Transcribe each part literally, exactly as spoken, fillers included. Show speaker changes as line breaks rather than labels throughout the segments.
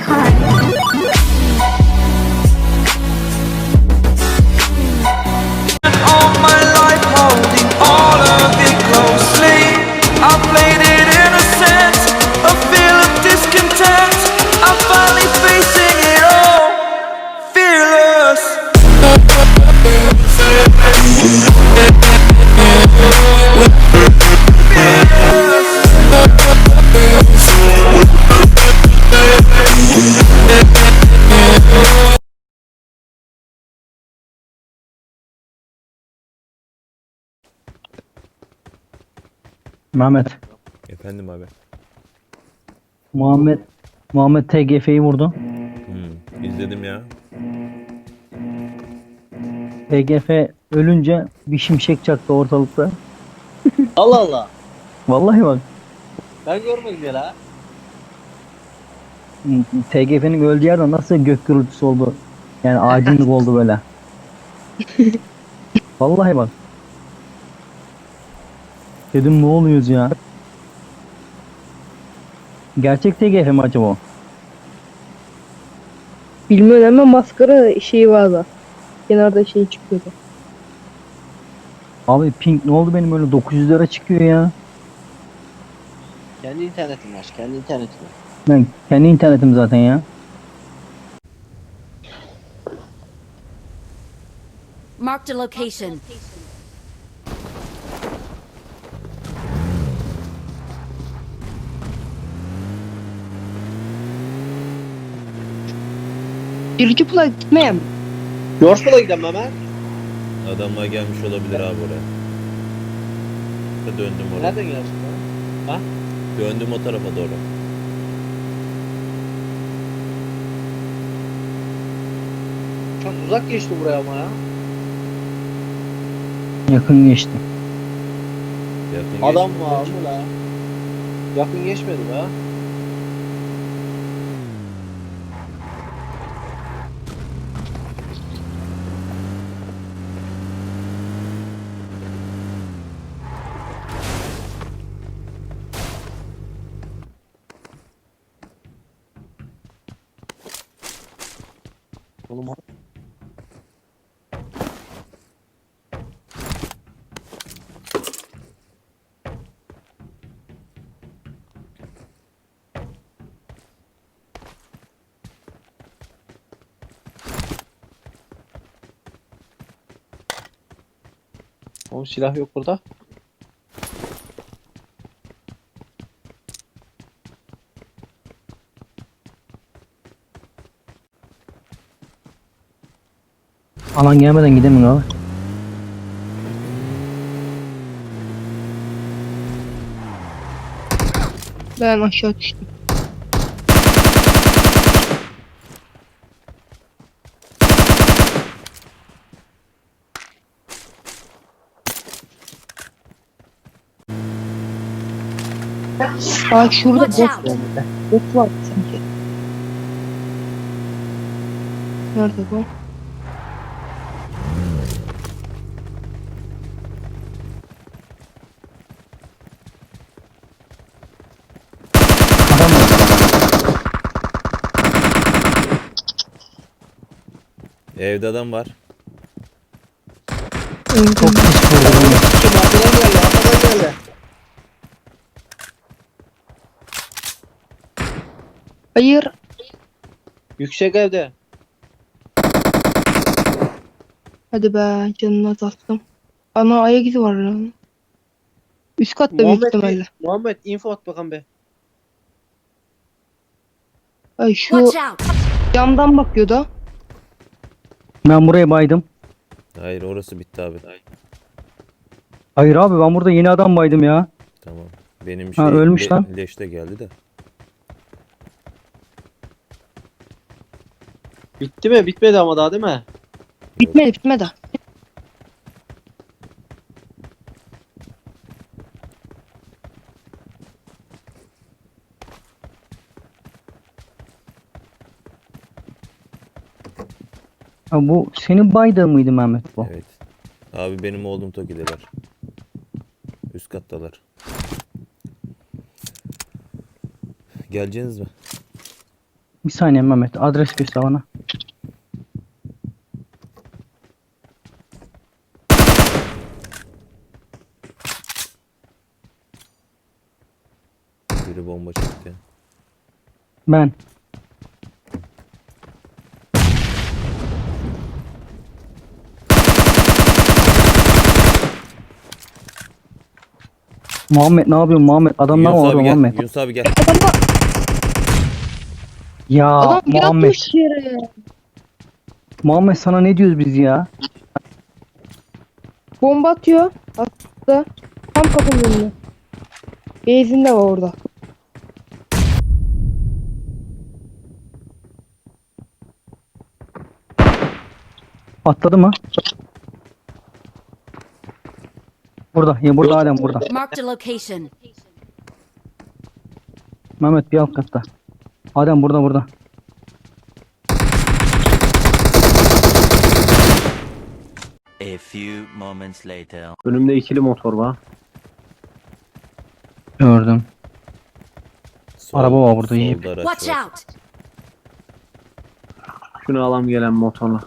All my life holding all of it closely. I played it innocent, a feel of discontent. I'm finally facing it all, fearless.
Mehmet.
Efendim abi.
Muhammed Muhammed T G F'yi vurdu.
Hmm, izledim ya.
T G F ölünce bir şimşek çaktı ortalıkta.
Allah Allah.
Vallahi bak.
Ben görmedim ya la.
T G F'nin öldüğü yerde nasıl gök gürültüsü oldu. Yani aydınlık oldu böyle. Vallahi bak. Dedim ne oluyoruz ya? Gerçek T G F mi acaba o?
Bilmiyorum ama maskara şeyi vardı. Kenarda şey çıkıyordu.
Abi ping ne oldu benim öyle dokuz yüz lira çıkıyor ya.
Kendi internetin var. Kendi internetin var.
Ben kendi internetim zaten ya.
Marked a location.
Birinci pula gitmeye mi?
Yorsul'a gidelim hemen.
Adamlar gelmiş olabilir abi oraya. Da döndüm oraya.
Nereden gelsin lan? Ha?
Döndüm o tarafa doğru.
Çok uzak geçti buraya ama ya.
Yakın geçti.
Yakın
Adam
geçmedi
var
bence.
mı la? Yakın geçmedi be. Oğlum Oğlum silah yok burada.
Alan gelmeden gidemiyor abi.
Ben aşağı düştüm. Aa şurada bot
Watch
var.
out.
Bot var sanki. Nerede bu?
Adam var.
Evde adam var.
Çok pis vurdu beni.
Kim arkadan geldi? Arkadan geldi.
Hayır.
Yüksek evde.
Hadi be canına taktım. Ana ayak izi var lan. Üst katta büyük
Muhammed,
ihtimalle.
Muhammed info at bakalım be.
Ay şu
Watch out.
camdan bakıyordu.
Ben buraya baydım.
Hayır orası bitti abi.
Hayır abi ben burada yeni adam baydım ya.
Tamam. Benim
Ha,
şey
ölmüş lan.
leş de geldi de.
Bitti mi? Bitmedi ama daha değil mi?
Bitmedi bitmedi.
Ha, bu senin baydığın mıydı Mehmet bu?
Evet. Abi benim oğlum Toki'deler. Üst kattalar. Geleceğiniz mi?
Bir saniye Mehmet. Adres göster bana.
Biri bomba çekti.
Ben. Muhammed ne yapıyorsun Muhammed? Adamlar
Yunus
var
abi
orada
gel.
Muhammed.
Yunus abi gel.
Adamlar,
Ya
adam
Muhammed.
yatmış yere.
Muhammed sana ne diyoruz biz ya?
Bomba atıyor. Attı. Tam kapının önüne. Benzin de var orada.
Atladı mı? Burada. Ya burada halen burada.
Marked a location.
Mehmet bir alt katta. Adem burada burada.
A few moments later.
Önümde ikili motor var.
Gördüm.
Sol-
Araba var burada, iyi.
solda araç
Watch
var.
out!
Şunu alam gelen motorla.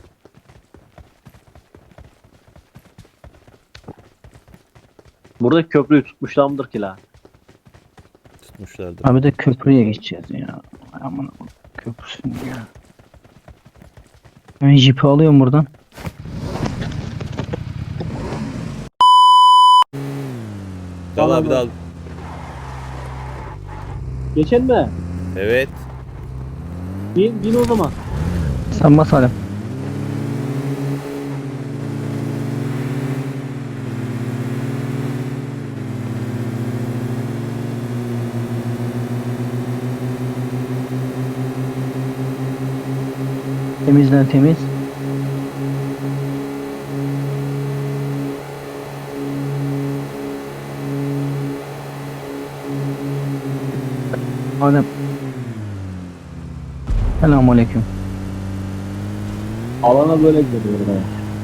Burada köprüyü tutmuşlar mıdır ki la?
Tutmuşlardır.
Abi de köprüye geçeceğiz ya. Ay aman aman. Köprüsün ya. Ben jipi alıyorum buradan.
Dal abi dal.
Geçen mi?
Evet.
Bin, bin o zaman.
Sen bas Adem. Temizden temiz. Adem. Selamünaleyküm.
Alana böyle gidiyor ben.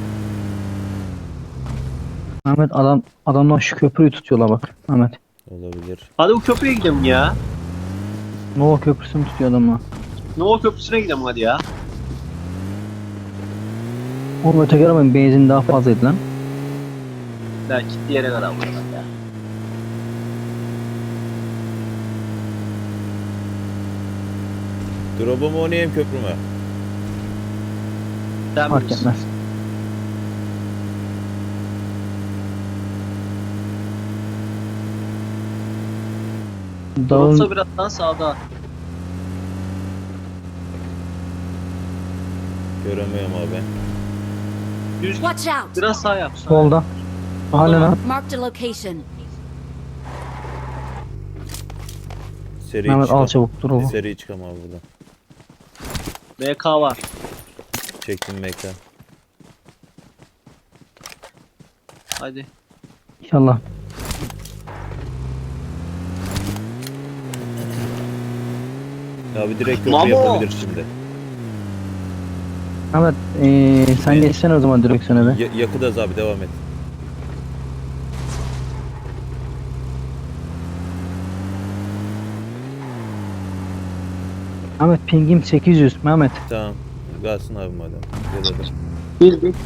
Mehmet adam adamlar şu köprüyü tutuyorlar bak. Mehmet.
Olabilir.
Hadi bu köprüye gidelim ya.
Nova köprüsünü tutuyor adamlar.
Nova köprüsüne gidelim hadi ya.
Oğlum öteki arabanın benzin daha fazlaydı lan.
La gitti yere kadar buradan ya.
Drop'u mu oynayayım köprü mü?
Sen
Fark
bilirsin.
etmez.
Dropsa
Dağın
birazdan sağda.
Göremiyorum abi.
Düz git.
Watch out!
Biraz sağ yap. Sağ.
solda. Halen ha.
Marked a location.
Seri
Mehmet
çıkam.
al çabuk dur oğlum.
Seri çıkam abi buradan.
M K var.
Çektim mekan.
Hadi.
İnşallah.
Abi direkt köprü
Mamo!
yapabilir şimdi.
Mehmet ee, sen geçsene o zaman direksiyona be.
Ya yakıdaz abi devam et.
Mehmet pingim sekiz yüz Mehmet.
Tamam. Kalsın abi madem. Ya da dur.
Bil bil.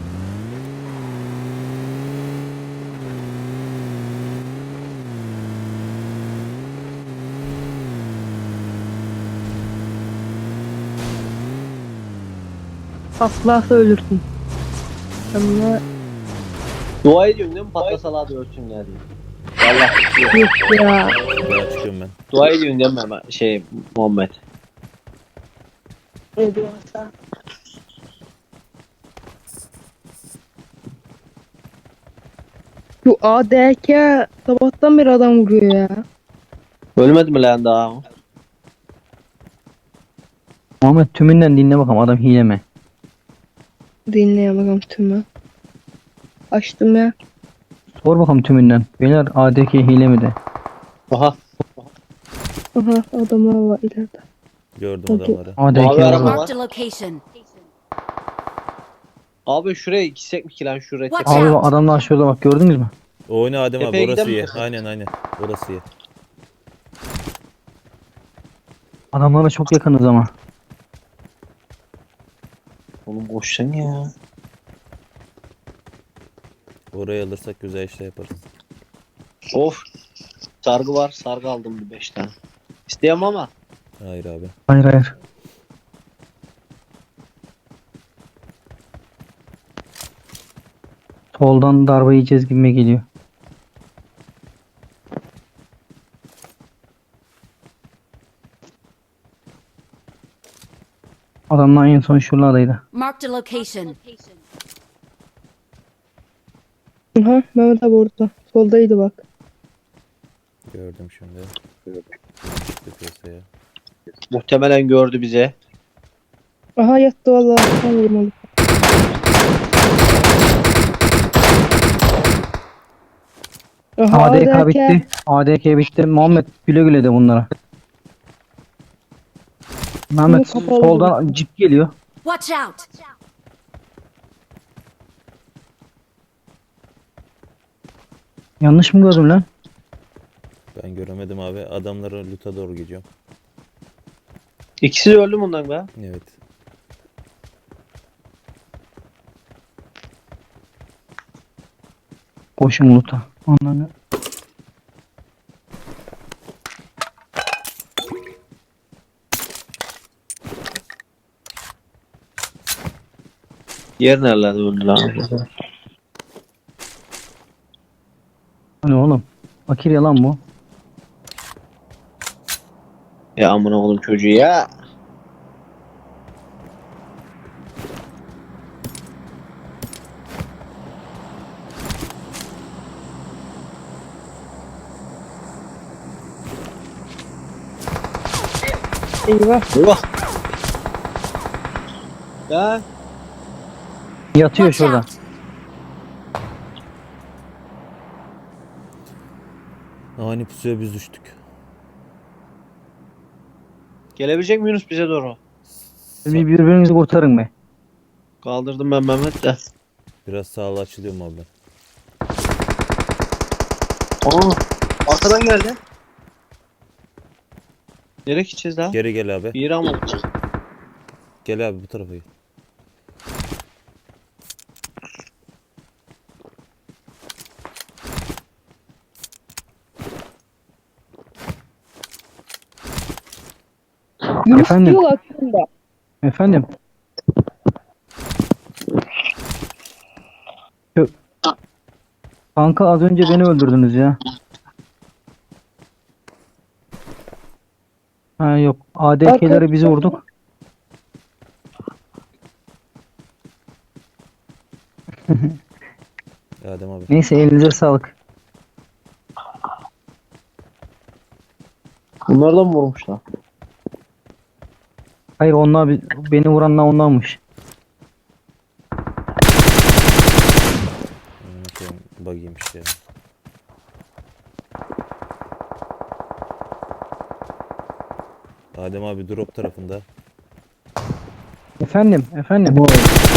Patlasa ölürsün. Ama
Dua ediyorsun değil mi? Patlasalar da ölçün ya diye. Vallahi
yok ya.
Daha çıkıyorum ben.
dua ediyorsun değil mi ama şey Muhammed?
Ne diyorsa. Şu A D K sabahtan beri adam vuruyor ya.
Ölmedi mi lan daha?
Muhammed tümünden dinle bakalım adam hile mi?
Dinleye bakalım tümü. Açtım ya.
Sor bakalım tümünden. Beyler A D K hile mi de?
Aha.
Aha adamlar var ileride.
Gördüm
Peki.
adamları.
A D
Mavi
K
araba
var.
var.
Marked a location.
Abi şuraya gitsek mi ki lan şuraya?
Watch
Abi
out!
bak adamlar şurada bak gördünüz mü?
Oyna Adem abi
Tepeye
orası
gidelim
iyi.
mi?
Aynen aynen. Orası iyi.
Adamlara çok yakınız ama.
Oğlum boş sen ya.
Orayı alırsak güzel işler yaparız.
Of. Sargı var. Sargı aldım bir beş tane. İsteyemem ama.
Hayır abi.
Hayır hayır. Soldan darbe yiyeceğiz gibime geliyor. Adamlar en son şuralardaydı.
Marked a location.
Aha Mehmet abi orada. Soldaydı bak.
Gördüm şimdi. Çıktı piyasaya.
Muhtemelen gördü bize.
Aha yattı vallahi. Tam vurmalı. Aha
A D K
derken-
bitti. A D K bitti. Muhammed güle güle de bunlara. Mehmet
Bunu kapalı
soldan cip geliyor.
Watch out!
Yanlış mı gördüm lan?
Ben göremedim abi. Adamların loot'a doğru gidiyorum.
İkisi de öldü bundan be.
Evet.
Koşun loot'a. Onları.
Yer nerelerde öldü lan?
Hani oğlum. Fakir yalan bu.
Ya amına oğlum çocuğu ya.
Eyvah.
Eyvah. Ya.
Yatıyor
Watch
şurada.
out!
Ani pusuya biz düştük.
Gelebilecek mi Yunus bize doğru?
Bir birbirinizi kurtarın be.
Kaldırdım ben Mehmet de.
Biraz sağlı açılıyorum abi.
Aa, arkadan geldi. Nereye gideceğiz daha?
Geri gel abi.
Bir yere almadık.
Gel abi bu tarafa gel.
Yunus
Efendim?
diyor aslında.
Efendim. Şu- Kanka az önce beni öldürdünüz ya. Ha yok. A D K'leri bizi vurduk.
Adem abi.
Neyse elinize sağlık.
Bunlardan mı vurmuşlar?
Hayır onlar bi- beni vuranlar onlarmış.
Unutayım. Bug'iymiş ya. Adem abi drop tarafında.
Efendim, efendim.
Nerede?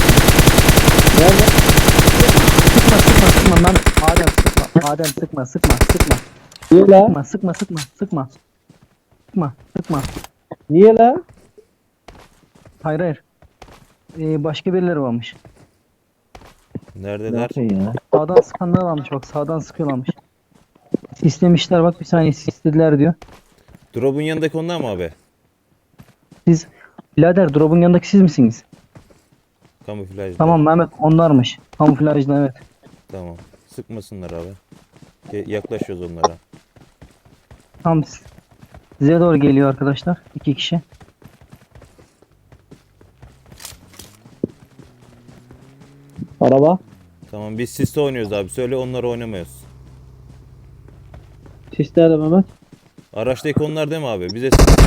Sıkma, sıkma, sıkma. Ben Adem sıkma. Adem sıkma, sıkma, sıkma.
Niye la?
Sıkma, sıkma, sıkma, sıkma. Sıkma, sıkma.
Niye la?
Hayır, hayır. Ee, başka birileri varmış.
Neredeler?
ya?
Sağdan sıkanlar varmış bak, sağdan sıkıyorlarmış. Sislemişler bak, bir saniye sislediler diyor.
Drop'un yanındaki onlar mı abi?
Siz, birader drop'un yanındaki siz misiniz?
Kamuflajlı.
Tamam Mehmet, onlarmış. Kamuflajlı, evet.
Tamam. Sıkmasınlar abi. Ge- Yaklaşıyoruz onlara.
Tam siz- size doğru geliyor arkadaşlar. İki kişi.
Araba.
Tamam biz siste oynuyoruz abi. Söyle onları oynamıyoruz.
Sis nerede Mehmet?
Araçtaki onlar değil mi abi? Bize sıksınlar.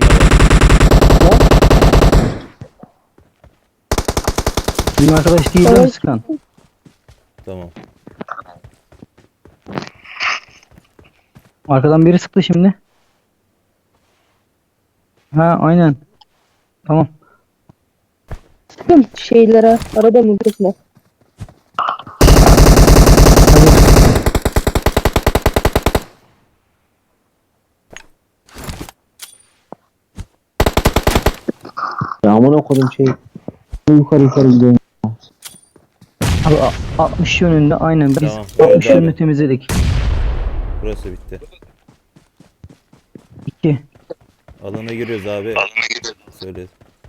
Bizim arkadaş değil mi
Evet.
sıkan?
Tamam.
Arkadan biri sıktı şimdi. Ha aynen. Tamam.
Sıkın şeylere. Arada mı kısmı?
amına koydum şey.
Yukarı yukarı gidiyorum. Abi a- altmış yönünde aynen biz
Tamam,
altmış
evet
yönünü
abi.
temizledik.
Burası bitti.
iki.
Alana giriyoruz abi. Söyle.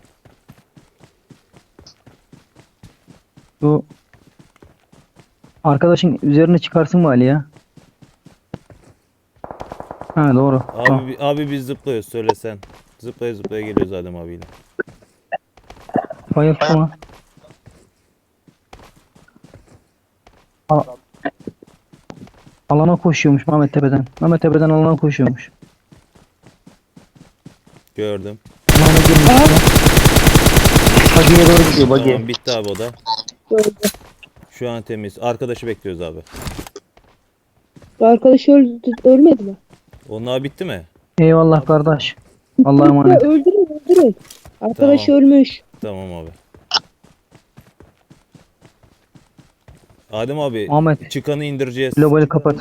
Bu arkadaşın üzerine çıkarsın mı Ali ya? Ha doğru. Tamam.
Abi, abi biz zıplıyoruz söylesen. Zıplaya zıplaya geliyoruz Adem abiyle.
Bayıltma. Al- Alana koşuyormuş Mehmet Tepe'den. Mehmet Tepe'den alana koşuyormuş.
Gördüm.
Alana girmiş. ya. Bagiye doğru gidiyor bagiye.
Tamam bitti abi o da. Şu an temiz. Arkadaşı bekliyoruz abi.
Arkadaş öldü, ölmedi mi?
Onlar bitti mi?
Eyvallah kardeş. Allah'a emanet.
Öldürün öldürün. Arkadaş
Tamam.
ölmüş.
Tamam abi. Adem abi
Ahmet
çıkanı indireceğiz.
globali kapat.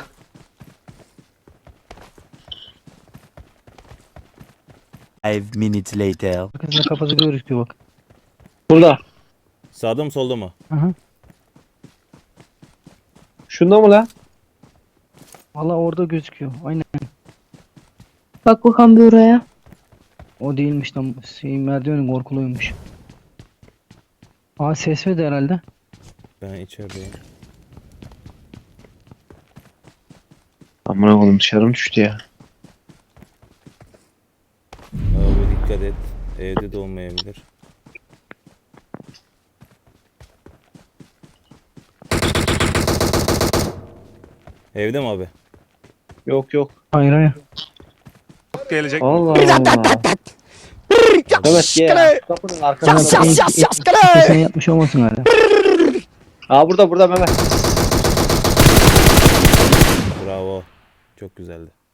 Five minutes later.
Arkasında kafası gözüküyor bak.
Burada.
Sağda mı solda mı?
Hı hı.
Şunda mı lan?
Valla orada gözüküyor. Aynen.
Bak bakalım bir oraya.
O değilmiş lan. Şey, merdivenin korkuluymuş. Aa ses verdi herhalde.
Ben içerideyim.
Amına koydum dışarım düştü ya.
Abi dikkat et. Evde de olmayabilir. Evde mi abi?
Yok yok.
Hayır hayır.
Allah Allah. Evet ya. Kapının arkasında.
Mehmet en- en- sesini yapmış olmasın hala.
Aa burada burada Mehmet.
Bravo. Çok güzeldi.